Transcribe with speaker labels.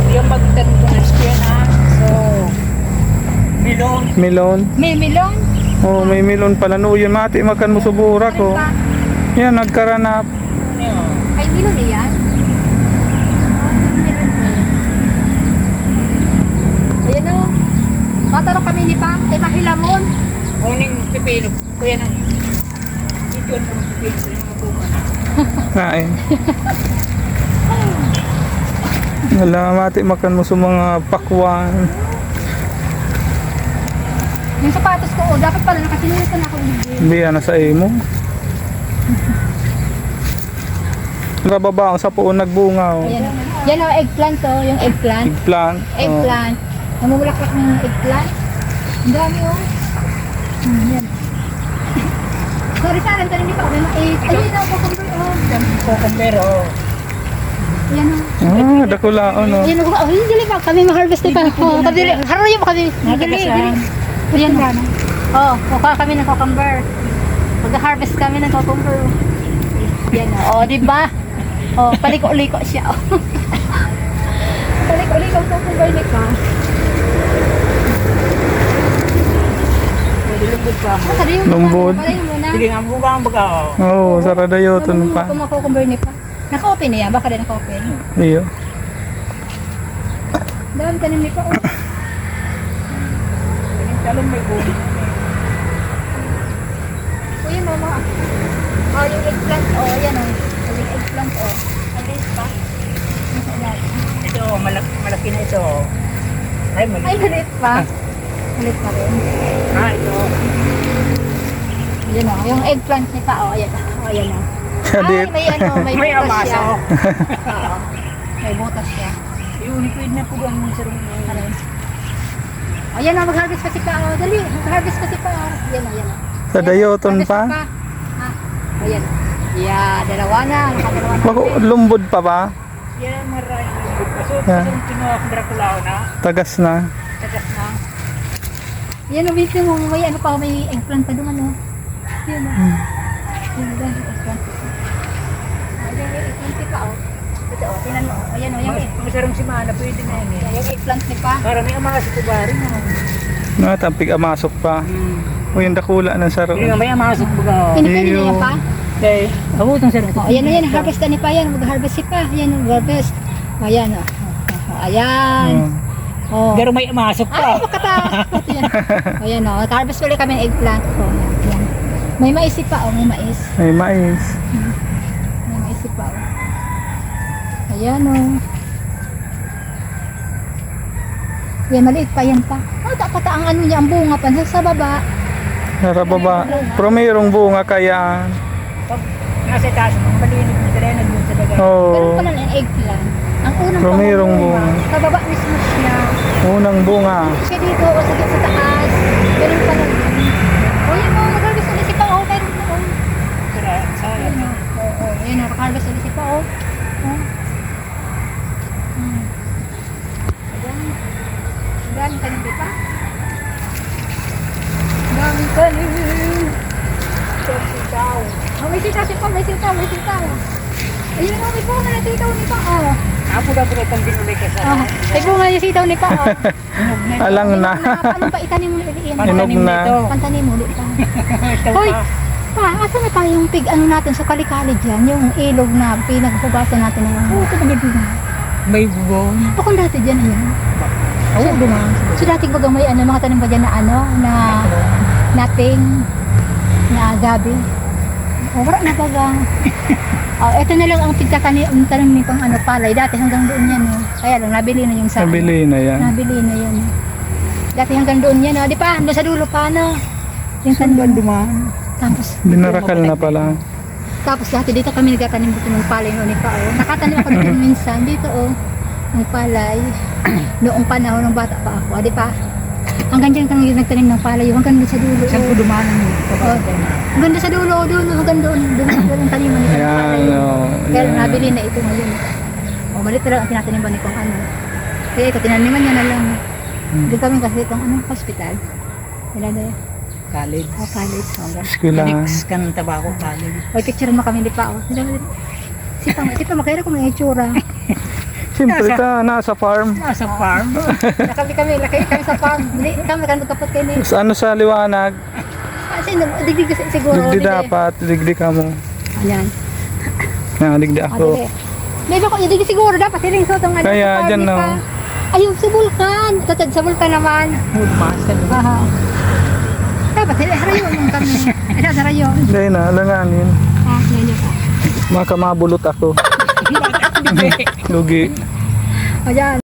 Speaker 1: Yung magtanong ko ng square na. So, melon.
Speaker 2: Melon.
Speaker 3: May melon.
Speaker 2: Oh, may melon pala. No, yun mati makan mo subura ko. Yan, nagkaranap.
Speaker 3: Ay, melon na yan. Ayan o. Mataro kami ni Pa. Ay, mahilamon.
Speaker 1: Uning pipino. Kuya nang. Ito yung pipino. Yung mga bunga na.
Speaker 2: Kain. Wala, mati makan mo sa mga pakwan.
Speaker 3: Yung sapatos ko, dapat pala nakasinulitan ako.
Speaker 2: Hindi, sa imo. Nababa ang sa puon nagbunga. Oh.
Speaker 3: Ayan. Yan o, eggplant to. Yung eggplant.
Speaker 2: Eggplant.
Speaker 3: Eggplant. Namumulaklak ng eggplant. Ang dami o. Yan. Sorry sa akin, tanin pa ako. Ayun na, cucumber o.
Speaker 1: Cucumber, oh.
Speaker 3: Ayan o.
Speaker 2: Ah, dakulaon. Oh.
Speaker 3: Ayan o. Oh, dili pa. Kami ma-harvest ni pa. Oh, dili. Harayo pa kami. Dili. Ayan o. Oh, kukuha kami ng cucumber. Mag-harvest kami ng cucumber. Yan o. Oh, diba? Oh, paliko-liko siya. Oh. Paliko-liko ang cucumber ni pa.
Speaker 1: Lumbod pa.
Speaker 2: Lumbod.
Speaker 1: Sige nga, buka ang baga, oh.
Speaker 2: Oo, oh, saradayoton pa.
Speaker 3: Kung makukumber ni pa. Naka-open na yan. Baka din naka-open.
Speaker 2: Iyo.
Speaker 3: Dami tanim ni pa. Oh.
Speaker 1: Talong may bunga.
Speaker 3: O yun o mga. O yung eggplant o. Yan o. Yung eggplant o. Alis pa.
Speaker 1: Ito, malaki na ito. Ay,
Speaker 3: Ay,
Speaker 1: maliit.
Speaker 3: malit pa. Malit pa rin.
Speaker 1: Ah, ito.
Speaker 3: Yan o. Yung eggplant ni pa o. Ayan o. Ayan o. Ay,
Speaker 2: Kadit.
Speaker 3: may ano. May
Speaker 1: May
Speaker 3: butas siya.
Speaker 1: amaso.
Speaker 3: May butas siya.
Speaker 1: Yung liquid na po ang sarong.
Speaker 3: Ayan. Ayan o. Mag-harvest pa si pa o. Dali. Mag-harvest pa si pa o. Ayan o. Ayan o.
Speaker 2: Sa dayoton
Speaker 3: Harvest
Speaker 2: pa.
Speaker 3: Ha? Ayan. Yeah, dalawa na. Nakadalawa na.
Speaker 2: Lumbod pa ba?
Speaker 1: Yan, maraming liquid pa. So,
Speaker 2: Yeah.
Speaker 1: kasong kinuha akong Draculao na.
Speaker 2: Tagas na.
Speaker 1: Tagas na.
Speaker 3: Yan o. Bitin mo. May ano pa. May eggplant pa doon ano. Yan o. Yan o. Eggplant. Ayan yung eggplant ni pa o. Ito o. Tinan mo. Ayan o. Yung
Speaker 1: Masarong si Mana, pwede na yun eh.
Speaker 3: yung eggplant ni pa.
Speaker 1: Para may amaso ko ba rin.
Speaker 2: No, tampig amasok pa. O yung dakula ng saro.
Speaker 1: Hindi nga, may amaso ko ba.
Speaker 3: Pinipili niya pa.
Speaker 1: Okay. Ako itong sarong.
Speaker 3: O, ayan o yan. Harvest na ni pa yan. Mag-harvest si pa. Ayan o. Harvest. Ayan o. Ayan. O.
Speaker 1: Pero may amasok
Speaker 3: Ay,
Speaker 1: pa.
Speaker 3: makatakot yan. Ayan o. Harvest ulit kami ng eggplant. O, yan. May mais si pa o. May mais.
Speaker 2: May mais.
Speaker 3: May mais si pa o. Ayan o. Yan, maliit pa yan pa. O, dapat ang ano niya, ang bunga pa sa baba.
Speaker 2: Narababa. Pero mayroong bunga kaya.
Speaker 1: Pag nasa taas, malinig na talaga dun sa dagat.
Speaker 2: Oo.
Speaker 3: Ganun pala ng eggplant. Ang unang
Speaker 2: Pero mayroong bunga.
Speaker 3: Sa baba mismo siya.
Speaker 2: Unang bunga.
Speaker 3: Siya dito o sa taas. Ganun pala. O yan o, mag-harvest ulit si pa o. Meron na o.
Speaker 1: Pero, sayang na.
Speaker 3: Oo, yan o, mag-harvest ulit si pa o. Daming tanim di pa. Daming tanim.
Speaker 1: Sitaw.
Speaker 3: Oh, may sitaw si pa, may sitaw, may sitaw. Ayun o, may bunga na sitaw ni pa o.
Speaker 1: Apo daw po itong binuli ka sa
Speaker 3: Oh, may bunga na sitaw ni pa o.
Speaker 2: Alang na.
Speaker 3: Ano pa itanim mo ulit yan?
Speaker 2: Hinog na.
Speaker 3: Pantanim mo ulit pa.
Speaker 1: Ito
Speaker 3: Hoy,
Speaker 1: pa.
Speaker 3: asa na pa yung pig ano natin sa kalikali dyan? Yung ilog na pinaghugasan natin ng ano. Ito ba
Speaker 1: May bubong.
Speaker 3: Ako dati dyan ayan.
Speaker 1: Oo, dumaan.
Speaker 3: So dati bagang may ano, mga tanim ba dyan na ano, na nating, na gabi. O, wala na bagang. Oh, ito na lang ang tanim ni pang ano, palay. Dati hanggang doon yan. Oh. Kaya lang, nabili na yung sa
Speaker 2: Nabili na yan.
Speaker 3: Nabili na yan. Dati hanggang doon yan. Oh. Di pa, doon sa dulo pa, no? Yung
Speaker 1: Saan
Speaker 3: tandaan.
Speaker 1: dumaan?
Speaker 3: Tapos,
Speaker 2: Dinarakal na pala.
Speaker 3: tapos dati dito kami nagtatanim dito ng palay noon pa. Oh. Nakatanim ako dito minsan. Dito, oh. Ng palay. Noong panahon ng bata pa ako. Di pa? Hanggang dyan kami nagtanim ng palay. Hanggang doon sa dulo.
Speaker 1: Saan ko
Speaker 3: Oh.
Speaker 1: dumaan ang
Speaker 3: Hanggang doon sa dulo. Doon, hanggang doon. Doon ang taniman nito ng palay.
Speaker 2: Ayan. Oh,
Speaker 3: Kaya
Speaker 2: yan.
Speaker 3: nabili na ito ngayon. O, malit na lang ang tinataniman ni kung ano. Kaya ito, tinaniman niya na lang. Doon kami kasi itong ano, hospital. Wala na yan.
Speaker 1: college.
Speaker 3: O, college. O, ganun.
Speaker 2: Eskwela.
Speaker 1: Next kan tabako college.
Speaker 3: O, picture mo kami di pa. O, sila, sipa makira kung may itsura.
Speaker 2: Siyempre ka, nasa farm.
Speaker 1: Nasa farm.
Speaker 3: Nakali kami, laki kami sa farm. Hindi, kami kan magkapot kayo ni.
Speaker 2: Sa ano sa liwanag,
Speaker 3: Kasi digdig kasi siguro.
Speaker 2: digdi dapat, digdi ka mo.
Speaker 3: Ayan.
Speaker 2: Digdi ako.
Speaker 3: May ba ko digdig siguro dapat hiling so tong ano.
Speaker 2: Kaya,
Speaker 3: sa farm,
Speaker 2: dyan,
Speaker 3: di
Speaker 2: no.
Speaker 3: pa. Ayun, sa vulkan. Tatad sa vulkan naman.
Speaker 1: Mood master.
Speaker 3: Aha. Dapat harayo mong kami. Ito, harayo.
Speaker 2: Hindi na, alanganin.
Speaker 3: Ganyan ka.
Speaker 2: Makamabulot ako. Lugi.
Speaker 3: Ayan.